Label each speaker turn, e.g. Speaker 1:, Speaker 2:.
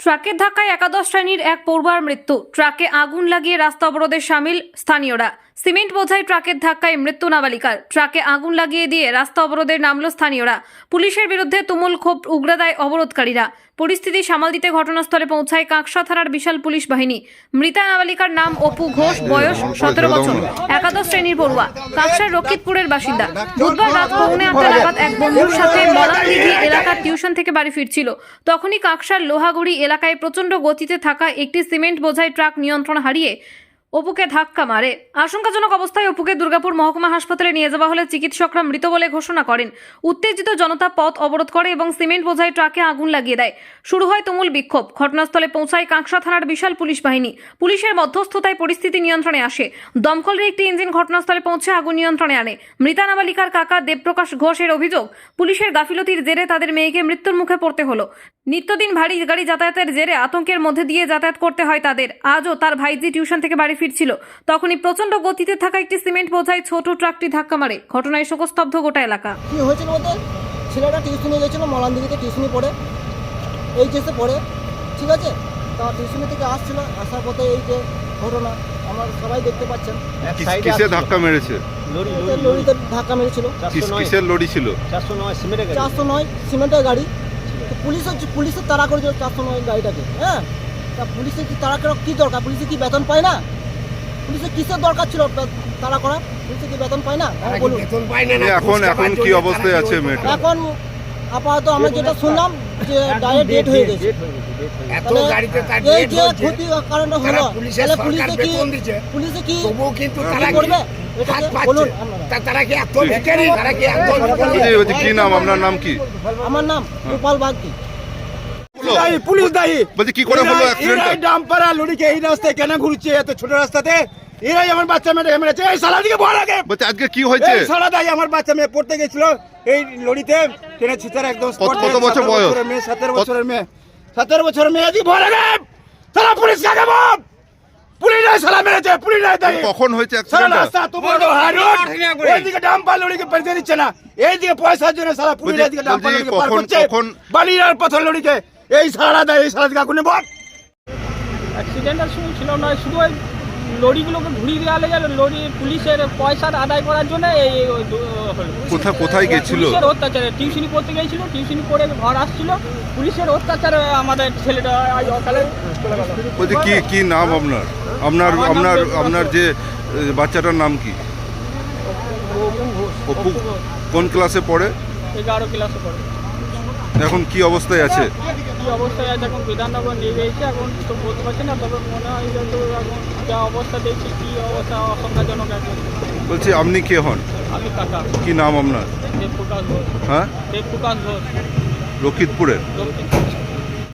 Speaker 1: ট্রাকের ধাক্কায় একাদশ শ্রেণীর এক পড়ুয়ার মৃত্যু। ট্রাকে আগুন লাগিয়ে রাস্তা অবরোধে সামিল স্থানীয়রা। সিমেন্ট বোঝাই ট্রাকের ধাক্কায় মৃত্যু নাবালিকার। ট্রাকে আগুন লাগিয়ে দিয়ে রাস্তা অবরোধে নামলো স্থানীয়রা। পুলিশের বিরুদ্ধে তুমুল ক্ষোভ উগরে দেয় অবরোধকারীরা। পরিস্থিতি সামাল দিতে ঘটনাস্থলে পৌঁছায় কাঁকসা থানার বিশাল পুলিশ বাহিনী। মৃতা নাবালিকার নাম অপু ঘোষ, বয়স 17 বছর, একাদশ শ্রেণীর পড়ুয়া, কাঁকসার রক্ষিতপুরের বাসিন্দা। বুধবার রাত 8:45 নাগাদ এক বন্ধুর সাথে মলানদিঘি এলাকার টিউশন থেকে বাড়ি ফিরছিল। তখনই কাঁকসার লোহাগুড়ি এলাকায় প্রচণ্ড গতিতে থাকা একটি সিমেন্ট বোঝাই ট্রাক নিয়ন্ত্রণ হারিয়ে অপুকে ধাক্কা মারে। আশঙ্কাজনক অবস্থায় অপুকে দুর্গাপুর মহকুমা হাসপাতালে নিয়ে যাওয়া হলে চিকিৎসকরা মৃত বলে ঘোষণা করেন। উত্তেজিত জনতা পথ অবরোধ করে এবং সিমেন্ট বোঝাই ট্রাকে আগুন লাগিয়ে দেয়। শুরু হয় তুমুল বিক্ষোভ। ঘটনাস্থলে পৌঁছায় কাঁকসা থানার বিশাল পুলিশ বাহিনী। পুলিশের মধ্যস্থতায় পরিস্থিতি নিয়ন্ত্রণে আসে। দমকলের একটি ইঞ্জিন ঘটনাস্থলে পৌঁছে আগুন নিয়ন্ত্রণে আনে। মৃতা নাবালিকার কাকা দেবপ্রকাশ ঘোষের অভিযোগ, পুলিশের গাফিলতির জেরে তাদের মেয়েকে মৃত্যুর মুখে পড়তে হলো। নিত্যদিন ভারী গাড়ি যাতায়াতের জেরে আতঙ্কের মধ্যে দিয়ে যাতায়াত করতে হয় তাদের। আজও তার ভাইজি টিউশন থেকে বাড়ি ফিরছিল, তখনই প্রচন্ড গতিতে থাকা একটি সিমেন্ট বোঝাই ছোট ট্রাকটি ধাক্কা মারে। ঘটনায় শোকস্তব্ধ গোটা এলাকা।
Speaker 2: কি হয়েছিল বলতে, ছেলেটা টিউশনে গেছিলো, মলানদিঘিতে টিউশনি পড়ে, এইচএসে পড়ে, ঠিক আছে। তা টিউশনি থেকে আসছিল, আসার পথে এই যে ঘটনা আমার সবাই দেখতে পাচ্ছেন।
Speaker 3: কিসে ধাক্কা মেরেছে?
Speaker 2: লরিতে ধাক্কা মেরেছিল।
Speaker 3: কিসের লরি ছিল?
Speaker 2: 409 সিমেন্টের গাড়ি। তো পুলিশের তাড়া করেছিল 409 গাড়িটাকে। হ্যাঁ, তা পুলিশের কি তাড়া করা কি দরকার? পুলিশের কি বেতন পায় না? পুলিশের কিসের দরকার ছিল তাড়া করা? পুলিশের কি বেতন পায় না? বলুন।
Speaker 3: এখন কি অবস্থায় আছে মেয়েটা?
Speaker 2: এখন আপাতত আমরা যেটা শুনলাম যে ডাইরেক্ট ডেট হয়ে গেছে। এই যে ক্ষতি কারণটা হলো, তাহলে পুলিশে কি করবে? বলুন।
Speaker 3: কি নাম? আপনার নাম কি?
Speaker 2: আমার নাম গোপাল বাগদি।
Speaker 4: পুলিশ দায়ী।
Speaker 3: বলছি কি করে হলো অ্যাক্সিডেন্ট?
Speaker 4: ডাম্পার আর লরিকে এই রাস্তায় কেন ঘুরছে এত ছোট রাস্তাতে? এরাই আমার বাচ্চা মেয়ে মেরেছে। এই শালা দিকে বল আগে।
Speaker 3: বলছি আজকে কি হয়েছে?
Speaker 4: এই শালা দায়ী, আমার বাচ্চা মেয়ে পড়তে গেছিল এই লরিতে, ট্রেনে ছিটার একদম
Speaker 3: কত বছর বয়স?
Speaker 4: 17 বছরের মেয়ে। 17 বছরের মেয়ে আজকে বল আগে। শালা পুলিশ কাকে বল? পুলিশই শালা মেরেছে, পুলিশই দায়ী।
Speaker 3: কখন হয়েছে
Speaker 4: শালা
Speaker 3: অ্যাক্সিডেন্ট?
Speaker 4: রাস্তা তো বড় হাইরোড, এইদিকে ডাম্পার লরিকে পেরিয়ে দিচ্ছে না, এইদিকে পয়সার জন্য শালা পুলিশ এইদিকে ডাম্পার লরিকে পার করছে, বালির আর পাথর লরিকে। এই শালা দায়ী, এই শালা দিকে আগুনে বল।
Speaker 5: অ্যাক্সিডেন্টের সময় ছিল না, শুধু ওই লরিগুলোকে ঘুরিয়ে দেওয়া গেল লরি পুলিশের পয়সা আদায় করার জন্য। এই
Speaker 3: কোথায় গেছিল?
Speaker 5: পুলিশের অত্যাচারে টিউশনি করতে গিয়েছিল, টিউশনি করে ঘর আসছিল, পুলিশের অত্যাচারে আমাদের ছেলেটা অকালে চলে গেল।
Speaker 3: বলছি কি নাম আপনার? আপনার যে বাচ্চাটার নাম কি? অপু। কোন ক্লাসে পড়ে?
Speaker 5: 11 ক্লাসে পড়ে।
Speaker 3: এখন কি অবস্থায় আছে?
Speaker 5: কি অবস্থায় আছে এখন বিধাননগর নিয়ে গেছে, এখন তো বলতে পারছি না, তবে মনে হয় যে তো এখন যা অবস্থা দেখছি, কি অবস্থা আশঙ্কাজনক আছে।
Speaker 3: বলছি আপনি কে হন?
Speaker 5: আমি কাকা।
Speaker 3: কি নাম আপনার?
Speaker 5: দেবপ্রকাশ ঘোষ।
Speaker 3: হ্যাঁ,
Speaker 5: দেবপ্রকাশ ঘোষ,
Speaker 3: রক্ষিতপুরের।
Speaker 5: দক্ষিণ।